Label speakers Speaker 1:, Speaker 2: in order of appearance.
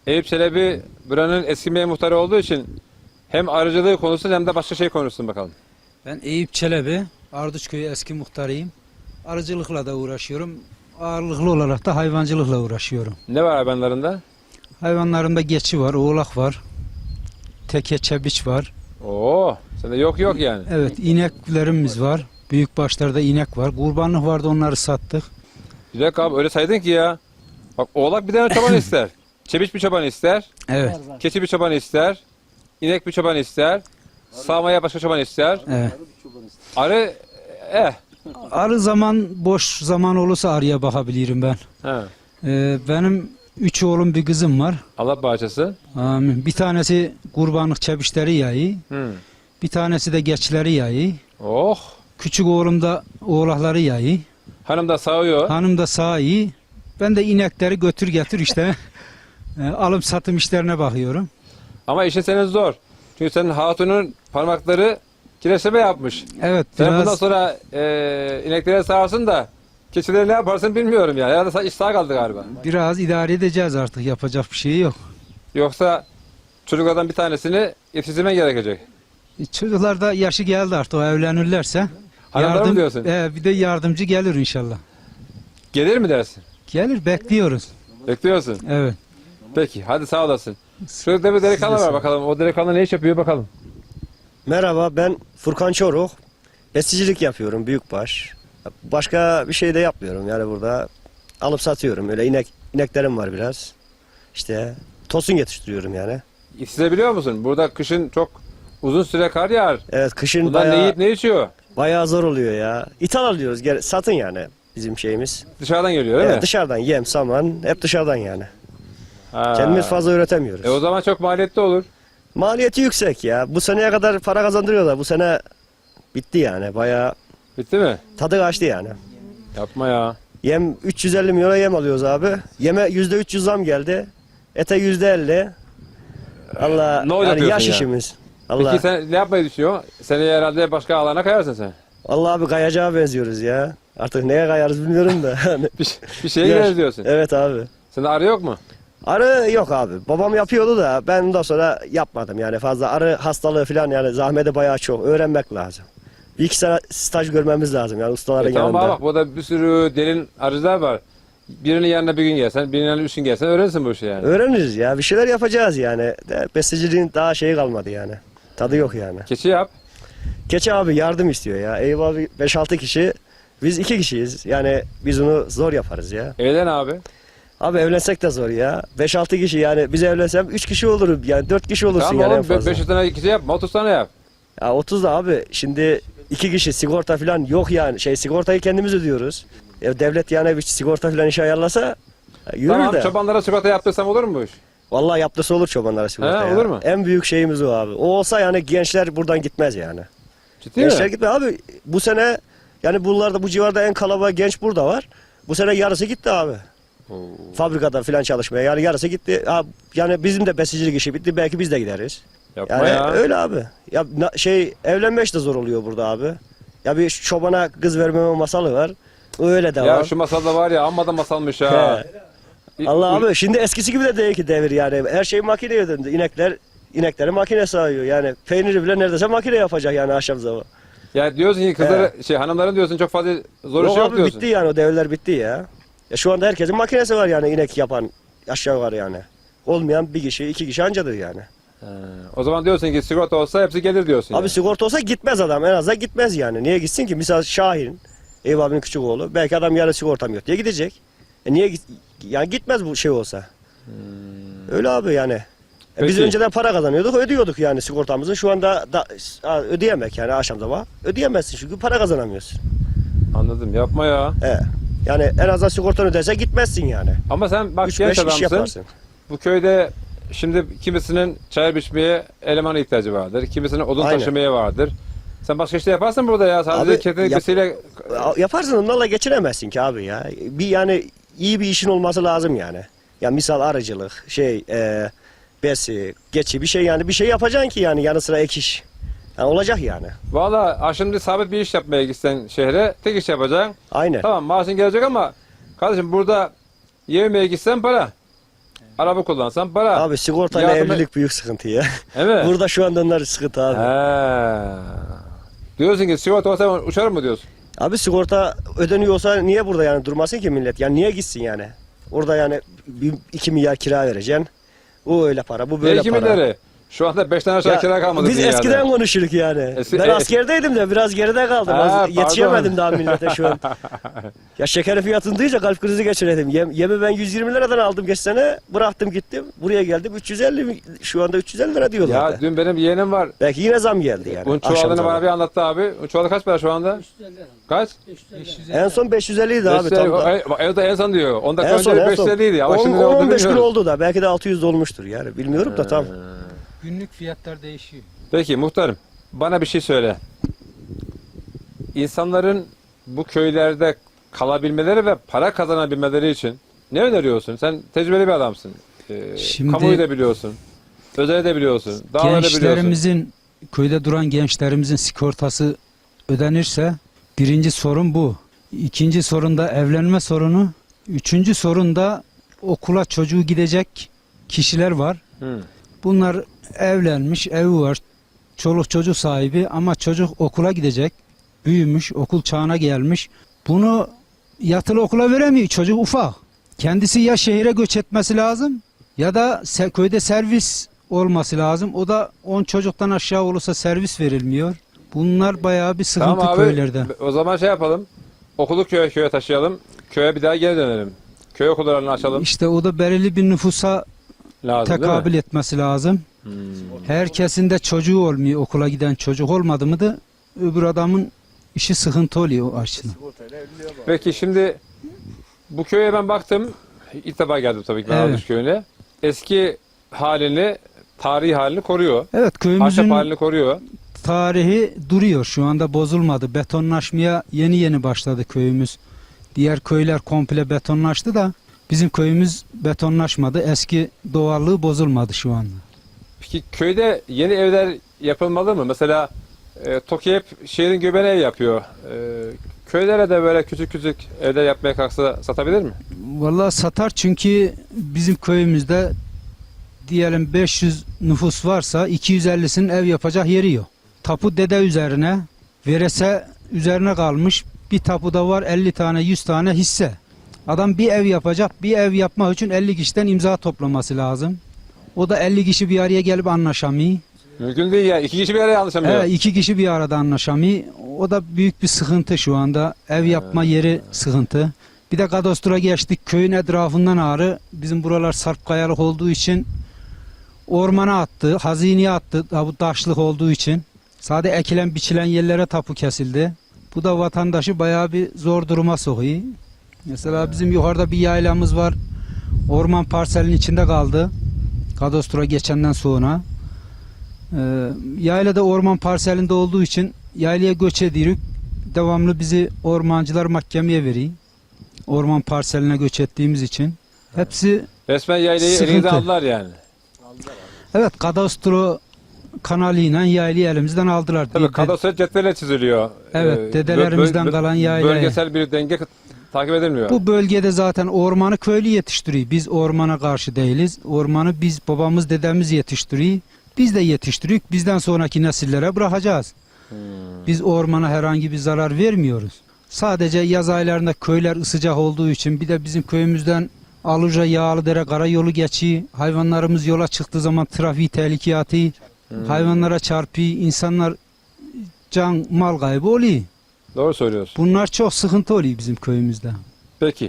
Speaker 1: Eyüp Çelebi buranın eski muhtarı olduğu için hem arıcılığı konuşsun hem de başka şey konuşsun bakalım.
Speaker 2: Ben Eyüp Çelebi, Ardıçköy eski muhtarıyım. Arıcılıkla da uğraşıyorum. Ağırlıklı olarak da hayvancılıkla uğraşıyorum.
Speaker 1: Ne var hayvanlarında?
Speaker 2: Hayvanlarımda geçi var, oğlak var, teke çebiç var.
Speaker 1: Oo, sende yok yani.
Speaker 2: Evet, ineklerimiz var. Büyük başlarda inek var. Kurbanlık vardı, onları sattık.
Speaker 1: Bir dakika abi öyle saydın ki ya. Bak oğlak bir tane çoban ister. Çebiç bir çoban ister.
Speaker 2: Evet,
Speaker 1: Keçi bir çoban ister. İnek bir çoban ister. Sağmaya başka çoban ister.
Speaker 2: evet.
Speaker 1: Arı
Speaker 2: Arı zaman, boş zaman olursa arıya bakabilirim ben.
Speaker 1: he.
Speaker 2: Benim 3 oğlum bir kızım var.
Speaker 1: Allah bağışlasın.
Speaker 2: Amin. Bir tanesi kurbanlık çebişleri yayı.
Speaker 1: Hı.
Speaker 2: Bir tanesi de geçleri yayı.
Speaker 1: Oh.
Speaker 2: Küçük oğlum da oğlakları yayı.
Speaker 1: Hanım da sağıyor.
Speaker 2: Hanım da sağ iyi. Ben de inekleri götür getir işte. Alım satım işlerine bakıyorum.
Speaker 1: Ama işin senin zor. Çünkü senin hatunun parmakları kireçleme yapmış.
Speaker 2: Evet,
Speaker 1: Sen bundan
Speaker 2: biraz
Speaker 1: sonra ineklere sağarsın da keçileri ne yaparsın bilmiyorum ya. Ya da iş sağ kaldı galiba.
Speaker 2: biraz idare edeceğiz artık. Yapacak bir şey yok.
Speaker 1: Yoksa çocuklardan bir tanesini yetiştirmen gerekecek.
Speaker 2: Çocuklar da yaşı geldi artık. O evlenirlerse
Speaker 1: Hanımlar mı diyorsun?
Speaker 2: Bir de yardımcı gelir inşallah.
Speaker 1: Gelir mi dersin?
Speaker 2: Gelir, bekliyoruz.
Speaker 1: Bekliyorsun.
Speaker 2: Evet.
Speaker 1: Peki hadi sağ olasın. Şurada bir delikanlı
Speaker 2: Siz de
Speaker 1: var
Speaker 2: sağ
Speaker 1: bakalım. O delikanlı ne iş yapıyor bakalım.
Speaker 3: Merhaba, ben Furkan Çoruk. Besicilik yapıyorum büyükbaş. Başka bir şey de yapmıyorum yani burada. Alıp satıyorum. Öyle ineklerim var biraz. İşte tosun yetiştiriyorum yani.
Speaker 1: Size biliyor musun? Burada kışın çok uzun süre kar yağar.
Speaker 3: Evet, kışın
Speaker 1: Bunlar ne yiyip ne içiyor?
Speaker 3: bayağı zor oluyor ya. İthal alıyoruz. Satın yani bizim şeyimiz.
Speaker 1: Dışarıdan geliyor değil
Speaker 3: Evet,
Speaker 1: mi?
Speaker 3: dışarıdan yem, saman hep dışarıdan yani.
Speaker 1: Ha.
Speaker 3: Kendimiz fazla üretemiyoruz.
Speaker 1: O zaman çok maliyetli olur.
Speaker 3: Maliyeti yüksek ya. Bu seneye kadar para kazandırıyorlar. Bu sene bitti yani. Bayağı
Speaker 1: Bitti mi?
Speaker 3: tadı kaçtı yani.
Speaker 1: Yapma ya.
Speaker 3: Yem 350 milyona yem alıyoruz abi. Yeme %300 zam geldi. Ete %50. Allah
Speaker 1: Ne olacak
Speaker 3: yani yaş
Speaker 1: diyorsun ya?
Speaker 3: işimiz. Allah.
Speaker 1: Peki sen ne yapmayı düşünüyorsun? Seneye herhalde başka alana kayarsın sen.
Speaker 3: Allah abi kayacağa benziyoruz ya. Artık neye kayarız bilmiyorum da.
Speaker 1: Bir şeye
Speaker 3: Yaş-
Speaker 1: gireriz diyorsun.
Speaker 3: Evet abi.
Speaker 1: Sende arı yok mu?
Speaker 3: Arı yok abi. Babam yapıyordu da ben ondan sonra yapmadım yani fazla. Arı hastalığı falan yani zahmeti bayağı çok. Öğrenmek lazım. Bir iki sene staj görmemiz lazım yani ustaların
Speaker 1: Tamam
Speaker 3: yanında.
Speaker 1: bak burada bir sürü derin arıcılar var. Birinin yanına bir gün gelsen, birinin yanına 3 gün gelsen öğrenirsin bu işi yani.
Speaker 3: Öğreniriz ya. Bir şeyler yapacağız yani. Besiciliğin daha şeyi kalmadı yani. Tadı yok yani.
Speaker 1: Keçi yap.
Speaker 3: Keçi abi yardım istiyor ya. Eyüp abi 5-6 kişi. Biz 2 kişiyiz. Yani biz onu zor yaparız ya.
Speaker 1: Evlen abi.
Speaker 3: Abi evlensek de zor ya. 5-6 kişi yani biz evlensem 3 kişi olurum. Yani 4 kişi olursun
Speaker 1: Tamam
Speaker 3: yani en
Speaker 1: oğlum
Speaker 3: fazla.
Speaker 1: 500 tane keçi yapma 30 tane yap.
Speaker 3: Ya 30 da abi şimdi 2 kişi sigorta falan yok yani. Sigortayı kendimiz ödüyoruz. Devlet yani bir sigorta falan işe ayarlasa yürür
Speaker 1: Tamam
Speaker 3: de.
Speaker 1: çobanlara sigorta yaptırsam olur mu bu iş?
Speaker 3: Vallahi yaptısı olur çobanlara sigorta
Speaker 1: He,
Speaker 3: ya.
Speaker 1: olur mu?
Speaker 3: En büyük şeyimiz o abi. O olsa yani gençler buradan gitmez yani.
Speaker 1: Ciddi
Speaker 3: Gençler
Speaker 1: mi?
Speaker 3: gitme abi. Bu sene yani bunlarda bu civarda en kalabalık genç burada var. Bu sene yarısı gitti abi. Fabrikada falan çalışmaya yani yarısı gitti. Yani bizim de besicilik işi bitti. Belki biz de gideriz.
Speaker 1: Yapma
Speaker 3: Yani
Speaker 1: ya.
Speaker 3: öyle abi. Ya evlenmek de zor oluyor burada abi. Ya bir çobana kız vermeme masalı var. Öyle de
Speaker 1: Ya
Speaker 3: var.
Speaker 1: şu masalda var ya amma da masalmış ha.
Speaker 3: Allah abi şimdi eskisi gibi de değil ki devir yani. Her şey makineye döndü. İnekleri makine sağıyor. Yani peyniri bile neredeyse makine yapacak yani akşam zaman.
Speaker 1: Ya diyorsun ki kızları hanımların diyorsun çok fazla zor
Speaker 3: Yok
Speaker 1: iş yok
Speaker 3: abi
Speaker 1: diyorsun.
Speaker 3: bitti yani o devirler bitti ya. Ya şu anda herkesin makinesi var yani inek yapan aşağı yukarı yani. Olmayan bir kişi 2 kişi ancadır yani.
Speaker 1: O zaman diyorsun ki sigorta olsa hepsi gelir diyorsun.
Speaker 3: Abi
Speaker 1: yani.
Speaker 3: sigorta olsa gitmez adam en azından gitmez yani. Niye gitsin ki? Misal Şahin, Eyüp abinin küçük oğlu. Belki adam yarın sigortam yok diye gidecek. Yani gitmez bu şey olsa. Öyle abi yani. Biz
Speaker 1: Peki.
Speaker 3: önceden para kazanıyorduk, ödüyorduk yani sigortamızı. Şu anda ödeyemek yani akşam sabah. Ödeyemezsin çünkü para kazanamıyorsun.
Speaker 1: Anladım yapma ya.
Speaker 3: Yani en azından sigortanı öderse gitmezsin yani.
Speaker 1: Ama sen bak
Speaker 3: 3-5
Speaker 1: genç
Speaker 3: iş
Speaker 1: adamsın.
Speaker 3: yaparsın.
Speaker 1: Bu köyde şimdi kimisinin çay biçmeye elemana ihtiyacı vardır. Kimisinin odun
Speaker 3: Aynen.
Speaker 1: taşımaya vardır. Sen başka işte yaparsın burada ya. Sadece
Speaker 3: Abi,
Speaker 1: ketenek besiyle
Speaker 3: Yaparsın onlarla geçinemezsin ki abi ya. Yani iyi bir işin olması lazım yani. Ya misal arıcılık, besi, geçi bir şey yani bir şey yapacaksın ki yani yanı sıra ek iş. Yani olacak yani.
Speaker 1: Valla şimdi sabit bir iş yapmaya gitsen şehre tek iş yapacaksın.
Speaker 3: Aynen.
Speaker 1: Tamam maaşın gelecek ama kardeşim burada yemeye gitsen para. Araba kullansan para.
Speaker 3: Abi sigortayla
Speaker 1: Yardım-
Speaker 3: evlilik büyük sıkıntı ya.
Speaker 1: Evet.
Speaker 3: Burada şu anda onlar sıkıntı abi.
Speaker 1: He. Diyorsun ki sigorta olsa ben uçarım mı diyorsun?
Speaker 3: Abi sigorta ödeniyorsa niye burada yani durmasın ki millet? Yani niye gitsin yani? Orada yani 2 milyar kira vereceksin. O öyle para, bu böyle
Speaker 1: Belki
Speaker 3: para.
Speaker 1: mileri. Şu anda 5 tane aşağı
Speaker 3: Ya,
Speaker 1: kira kalmadı
Speaker 3: biz
Speaker 1: dünyada.
Speaker 3: eskiden konuşuruk yani.
Speaker 1: Eski-
Speaker 3: Ben askerdeydim de biraz geride kaldım.
Speaker 1: Ha,
Speaker 3: Yetişemedim
Speaker 1: pardon.
Speaker 3: daha millete şu an. Ya şekerin fiyatını duyunca kalp krizi geçirdim. Yemi ben 120 liradan aldım geç sene. Bıraktım gittim. Buraya geldim 350, şu anda 350 lira diyorlar.
Speaker 1: Ya dün benim yeğenim var.
Speaker 3: Belki yine zam geldi yani.
Speaker 1: Un
Speaker 3: akşam
Speaker 1: çuvalını
Speaker 3: zamı.
Speaker 1: bana bir anlattı abi. Un çuvalı kaç para şu anda? Kaç?
Speaker 3: En son 550 idi abi. Tam da.
Speaker 1: Evde en son diyor. 10 dakika
Speaker 3: En son,
Speaker 1: önce
Speaker 3: en son.
Speaker 1: 550 idi. Ama şimdi ne olduğunu
Speaker 3: 10-15 gün
Speaker 1: bilmiyoruz.
Speaker 3: oldu da. Belki de 600 olmuştur yani. Bilmiyorum da tam.
Speaker 2: Günlük fiyatlar değişiyor.
Speaker 1: Peki muhtarım bana bir şey söyle. İnsanların bu köylerde kalabilmeleri ve para kazanabilmeleri için ne öneriyorsun? Sen tecrübeli bir adamsın.
Speaker 2: Şimdi-
Speaker 1: Kamuoyu da biliyorsun. Özeli de biliyorsun. Dağları da biliyorsun.
Speaker 2: Gençlerimizin, köyde duran gençlerimizin sigortası ödenirse birinci sorun bu. İkinci sorun da evlenme sorunu. Üçüncü sorun da okula çocuğu gidecek kişiler var.
Speaker 1: Hı.
Speaker 2: Bunlar evlenmiş, evi var, çoluk çocuk sahibi ama çocuk okula gidecek, büyümüş, okul çağına gelmiş. Bunu yatılı okula veremiyor, çocuk ufak. Kendisi ya şehire göç etmesi lazım ya da köyde servis olması lazım. O da 10 çocuktan aşağı olursa servis verilmiyor. Bunlar bayağı bir sıkıntı
Speaker 1: Tamam abi.
Speaker 2: köylerde.
Speaker 1: O zaman şey yapalım. Okulu köye taşıyalım. Köye bir daha geri dönelim. Köy okullarını açalım.
Speaker 2: İşte o da belirli bir nüfusa
Speaker 1: Lazım
Speaker 2: tekabül
Speaker 1: değil mi?
Speaker 2: etmesi lazım. Herkesin de çocuğu olmuyor. Okula giden çocuk olmadı mı da öbür adamın işi sıkıntı oluyor o açıdan.
Speaker 1: Peki şimdi bu köye ben baktım. İlk defa geldim tabii ki ben
Speaker 2: Evet.
Speaker 1: Ardıç köyüne. Eski halini, tarihi halini koruyor.
Speaker 2: Evet,
Speaker 1: Ahşap
Speaker 2: köyümüzün
Speaker 1: halini koruyor.
Speaker 2: tarihi duruyor. Şu anda bozulmadı. Betonlaşmaya yeni yeni başladı köyümüz. Diğer köyler komple betonlaştı da bizim köyümüz betonlaşmadı. Eski doğallığı bozulmadı şu anda.
Speaker 1: Peki köyde yeni evler yapılmalı mı? Mesela TOKİ hep şehrin göbeğine ev yapıyor. Köylere de böyle küçük küçük evler yapmaya kalksa satabilir mi?
Speaker 2: Vallahi satar çünkü bizim köyümüzde diyelim 500 nüfus varsa 250'sinin ev yapacak yeri yok. Tapu dede üzerine, verese üzerine kalmış. Bir tapuda var 50 tane 100 tane hisse. Adam bir ev yapacak. Bir ev yapmak için 50 kişiden imza toplaması lazım. O da 50 kişi bir araya gelip anlaşamıyor.
Speaker 1: Mümkün değil ya. İki kişi bir araya anlaşamıyor.
Speaker 2: Evet, 2 kişi bir arada anlaşamıyor. O da büyük bir sıkıntı şu anda. Ev yapma yeri sıkıntı. Bir de kadastro geçtik. Köyün etrafından ağrı. Bizim buralar sarp kayalık olduğu için ormana attı, hazineye attı. Bu taşlık olduğu için. Sadece ekilen biçilen yerlere tapu kesildi. Bu da vatandaşı bayağı bir zor duruma sokuyor. Mesela bizim yukarıda bir yaylamız var. Orman parselinin içinde kaldı. Kadastro geçenden sonra. Yayla da orman parselinde olduğu için yaylaya göç ediyoruz. Devamlı bizi ormancılar mahkemeye veriyor. Orman parseline göç ettiğimiz için. Hepsi
Speaker 1: Resmen yaylayı
Speaker 2: Sıkıntı.
Speaker 1: elinizden aldılar yani.
Speaker 2: evet kadastro kanalıyla yaylayı elimizden aldılar.
Speaker 1: Tabii kadastro cetvelle çiziliyor.
Speaker 2: Evet, dedelerimizden kalan yaylaya.
Speaker 1: Bölgesel bir denge takip edilmiyor.
Speaker 2: Bu bölgede zaten ormanı köylü yetiştiriyor. Biz ormana karşı değiliz. Ormanı biz babamız dedemiz yetiştiriyor. Biz de yetiştiriyoruz. Bizden sonraki nesillere bırakacağız. Biz ormana herhangi bir zarar vermiyoruz. Sadece yaz aylarında köyler sıcak olduğu için bir de bizim köyümüzden Aluca Yağlıdere karayolu geçiyor. Hayvanlarımız yola çıktığı zaman trafiği tehlikeye atıyor. Hayvanlara çarpıyor. İnsanlar can mal kaybı oluyor.
Speaker 1: Doğru söylüyorsun.
Speaker 2: Bunlar çok sıkıntı oluyor bizim köyümüzde.
Speaker 1: Peki.